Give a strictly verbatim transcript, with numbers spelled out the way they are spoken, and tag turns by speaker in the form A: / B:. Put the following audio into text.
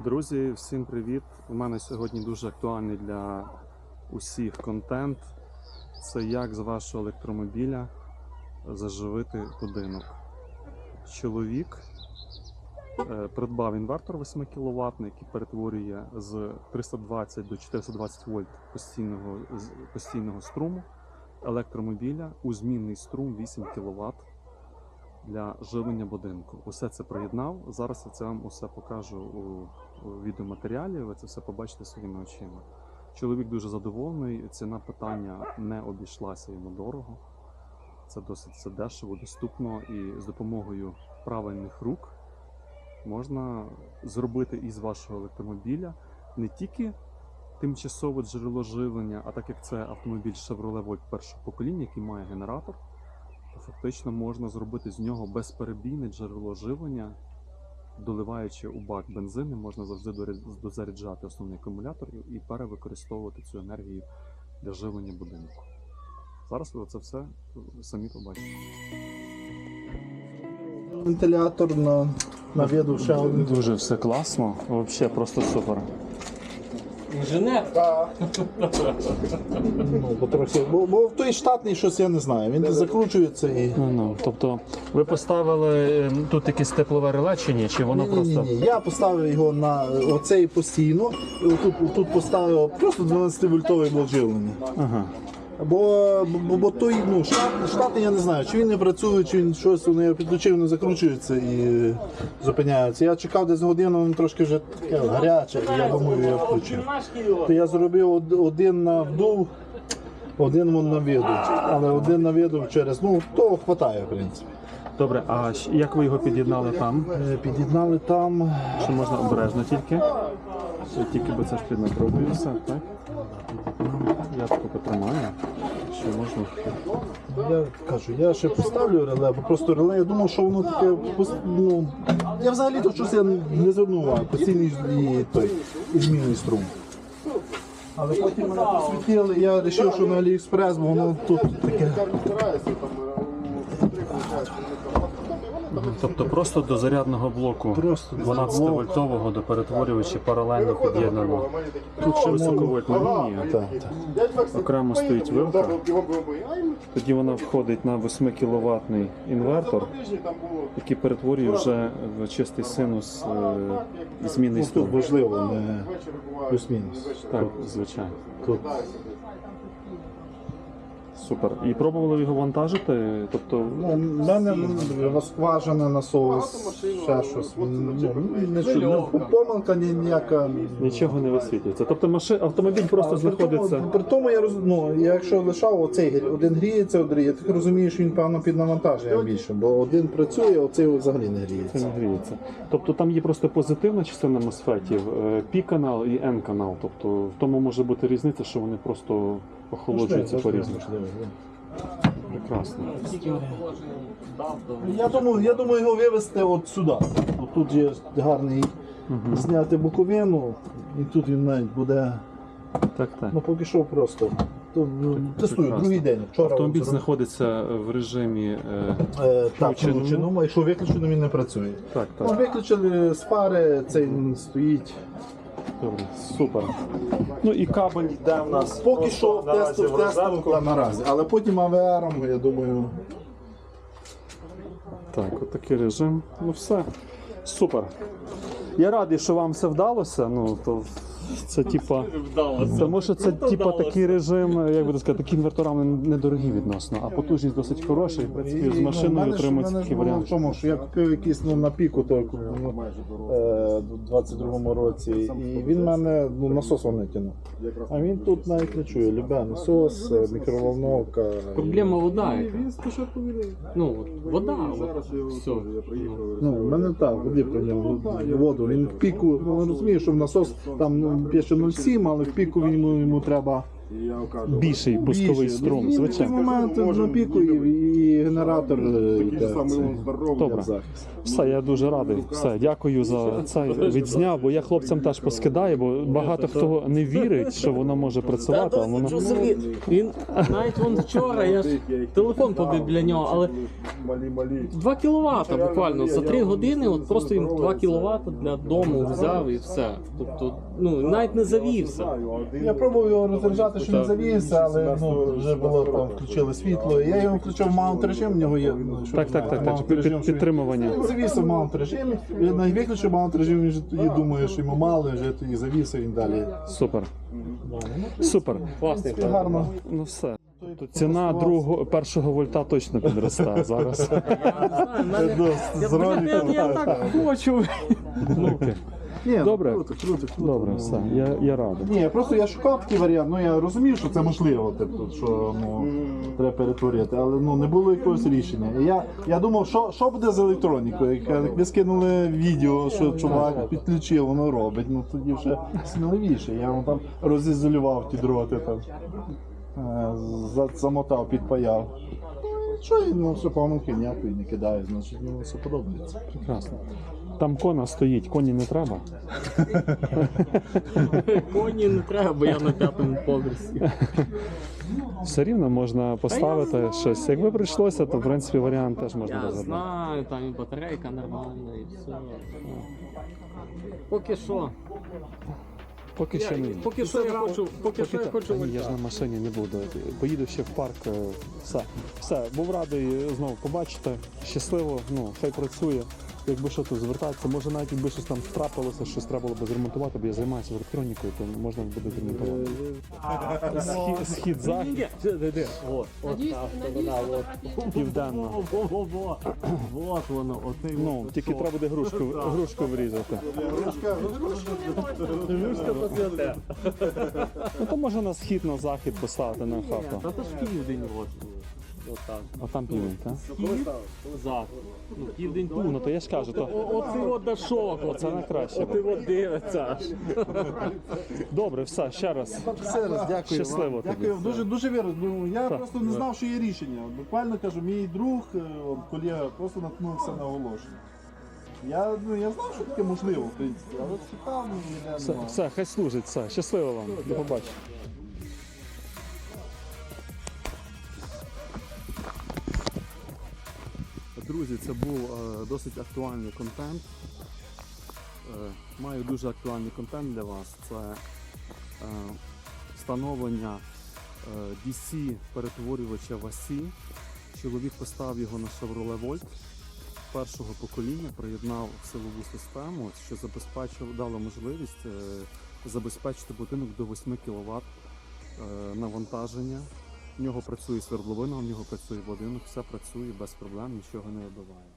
A: Друзі, всім привіт! У мене сьогодні дуже актуальний для усіх контент. Це як з вашого електромобіля заживити будинок. Чоловік е, придбав інвертор восьми кіловатний, який перетворює з триста двадцять до чотириста двадцять вольт постійного, постійного струму електромобіля у змінний струм вісім кіловат для живлення будинку. Усе це приєднав. Зараз я це вам усе покажу у, у відеоматеріалі, ви це все побачите своїми очима. Чоловік дуже задоволений, ціна питання не обійшлася йому дорого. Це досить це дешево, доступно, і з допомогою правильних рук можна зробити із вашого електромобіля не тільки тимчасове джерело живлення, а так як це автомобіль Chevrolet Volt першого покоління, який має генератор, то фактично можна зробити з нього безперебійне джерело живлення. Доливаючи у бак бензину, можна завжди дозаряджати основний акумулятор і перевикористовувати цю енергію для живлення будинку. Зараз ви це все самі побачите.
B: Вентилятор на, на виду ще один.
A: Дуже все класно, взагалі просто супер.
C: Інженер?
B: Ну, потрохи. Бо, бо той штатний щось я не знаю, він закручується і...
A: Ну, ну, тобто ви поставили тут якесь теплове реле чи ні? Чи воно
B: Ні, ні,
A: просто...
B: ні, ні. Я поставив його на оцей постійно, і отут, тут поставив просто дванадцятивольтовий блок живлення.
A: Ага.
B: Бо, бо, бо той, ну, штатний, штатний, я не знаю, чи він не працює, чи він щось, вони його підключив, не закручується і зупиняється. Я чекав десь годину, він трошки вже таке гаряче, і я думаю, я включив. То я зробив один на вдув, один на виду, але один на виду через, ну, того хватає, в принципі.
A: Добре, а як ви його під'єднали там?
B: Під'єднали там.
A: Що можна обережно тільки? Тільки би це ж піднапробує все, так? Я таку потримаю, що можна.
B: Я кажу, я ще поставлю реле, бо просто реле, я думав, що воно таке, ну, я взагалі то щось я не звернув увагу, постійний і той, і змінний струм. Але потім мене посвітили, я вирішив, що на Аліекспрес, бо воно тут таке.
A: Тобто просто до зарядного блоку дванадцятивольтового до перетворювача паралельно під'єднано. Тут ще високовольтна лінія,
B: Так, так.
A: окремо стоїть вилка, тоді вона входить на восьмикіловатний інвертор, який перетворює вже в чистий синус е, змінний
B: Тут
A: струм.
B: важливо, не плюс-мінус.
A: Так, звичайно.
B: Тут.
A: Супер. І пробували його вантажити? Тобто...
B: Ну, в мене розкважена насос, ще щось. Ну, нічого, ну, помилка ні- ніяка.
A: Нічого не висвітлюється. Тобто машин, автомобіль просто знаходиться...
B: При тому я роз... ну, я якщо лишав оцей один гріється, один я так розумію, що він певно під навантаженням більше, бо один працює, а оцей взагалі не
A: Це
B: гріється.
A: не гріється. Тобто там є просто позитивна частина мосфетів, P-канал і N-канал. Тобто в тому може бути різниця, що вони просто охолоджуються по-різному. Прекрасно.
B: Я думаю, я думаю його вивезти от сюди. От тут є гарний
A: Угу.
B: зняти боковину, і тут він навіть буде.
A: Так, так.
B: Ну поки що просто. То, ну, тестую,
A: прекрасно.
B: другий день. Вчора
A: Автомобіль
B: от,
A: знаходиться в режимі... Е...
B: Е, так,
A: включеному.
B: включеному, якщо виключено, він не працює.
A: Так,
B: Ну,
A: так.
B: виключили з фари, цей він стоїть.
A: Добре. Супер. Ну і кабель йде в нас.
B: Поки що в
A: наразі
B: тесту, в тесту
A: розетку.
B: та наразі, але потім А В Ром, я думаю.
A: Так, от такий режим. Ну все. Супер. Я радий, що вам все вдалося. Ну, то це типа. Тому що це типа такий режим, як би сказати, такі інвертора недорогі відносно, а потужність досить хороша, і в принципі з машиною отримується такий
B: в
A: варіант.
B: тому, що я купив якийсь ну, на піку той, ну, е, у двадцять другому році, і він мене ну, насос не тягнув. А він тут навіть не чує. Любе насос, е, мікроволновка.
C: Проблема вода яка. Ну, от, вода, от, все.
B: Ну, в мене так, води про нього, воду. Він в піку, ну, розуміє, що в насос там ну, пише нуль сім, але в піку він, йому, йому треба
A: більший пусковий
B: Більше.
A: струм,
B: Ну, в цей
A: звичайно.
B: момент на піку і, і генератор е, йде. Це.
A: Добре. Все, я дуже радий. Все, дякую за це. Відзняв, бо я хлопцям теж поскидаю, бо багато хто не вірить, що воно може працювати, а воно.
C: Він навіть вон вчора, я ж телефон побив для нього, але два кіловата буквально за три години, от просто він два кіловата для дому взяв і все. Тобто, ну навіть не завівся.
B: Я пробував його розряджати, що не завівся, але ну, вже було там, включили світло. Я його включив в маунт режим, в нього є. ну, що
A: Так,
B: ви
A: так,
B: знаєте,
A: так,
B: маунт
A: так,
B: режим,
A: під-
B: що він-
A: підтримування.
B: Він завівся в маунт режимі, він навіть виключив маунт режим, він вже тоді думає, що йому мало, вже тоді завівся, він далі.
A: Супер. Супер.
C: Класний
B: І гарно.
A: Ну все. То ціна другого першого вольта точно підросте зараз.
C: Я не знаю, в мене-
B: З
C: я,
B: роликом,
C: я, я так хочу.
A: Ну, окей.
B: Ні,
A: Добре.
B: круто, круто, круто.
A: Добре, все. Я, я радий.
B: Ні, просто я шукав такий варіант, ну я розумів, що це можливо, тобто, що ну, треба перетворити, але ну, не було якогось рішення. І я, я думав, що, що буде з електронікою. Як як ви скинули відео, що чувак підключив, воно робить, ну тоді вже сміливіше. Я вам там розізолював ті дроти, там, е, за- замотав, підпаяв. Що я, ну, все помилки ніякої не кидаю, значить мені все подобається.
A: Прекрасно. Там кона стоїть, коні не треба.
C: Коні не треба, бо я на п'ятому поверсі.
A: Все рівно можна поставити щось. Якби прийшлося, то в принципі варіант теж можна
C: Я
A: розглядати.
C: знаю, там і батарейка нормальна, і все. Поки що.
A: Поки що не.
C: Поки що я хочу, поки що я
A: та-
C: хочу
A: Та ні, я
C: вольта.
A: ж на машині не буду. Поїду ще в парк. е, Все. Все. Був радий знову побачити. Щасливо, ну, хай працює. Якби що то звертатися, може навіть якби щось там трапилося, щось треба було б зремонтувати, бо я займаюся електронікою, то можна буде зремонтувати. Схід, схід захід,
C: Ні, де, де, де? От, от
D: Надіюсь,
C: та
D: надіюсь,
C: сторона, от.
A: південно.
C: Во, во, во. Вот воно, оцей
A: Ну,
C: от
A: тільки
C: кусок.
A: треба буде грушку, грушку врізати.
C: Грушка то святе.
A: Ну то можна на схід, на захід поставити на
C: Ні,
A: хату.
C: та то ж південь от. Отак.
A: А там південь, так?
C: Схід, захід. Ну, південь тут.
A: Ну то я ж кажу, то
C: О- Оцей от дашок.
A: Оце найкраще.
C: Оцей от дивиться аж.
A: добре, все, ще раз.
B: Все раз, дякую
A: Щасливо
B: вам.
A: тобі.
B: Дякую, дуже дуже вірю. Ну, я
A: Так.
B: просто не знав, що є рішення. Буквально кажу, мій друг, е, от, колега, просто наткнувся на оголошення. Я, ну, я знав, що таке можливо, в принципі, але шукав, ну, ніде
A: Все,
B: нема.
A: все, хай служить, все. Щасливо вам. До побачення. Друзі, це був е, досить актуальний контент. Е, маю дуже актуальний контент для вас. Це е, встановлення е, ді сі перетворювача ВАСі. Чоловік поставив його на Chevrolet Volt першого покоління, приєднав силову систему, що забезпечив, дало можливість е, забезпечити будинок до восьми кіловат е, навантаження. В нього працює свердловина, в нього працює будинок, все працює без проблем, нічого не вибиває.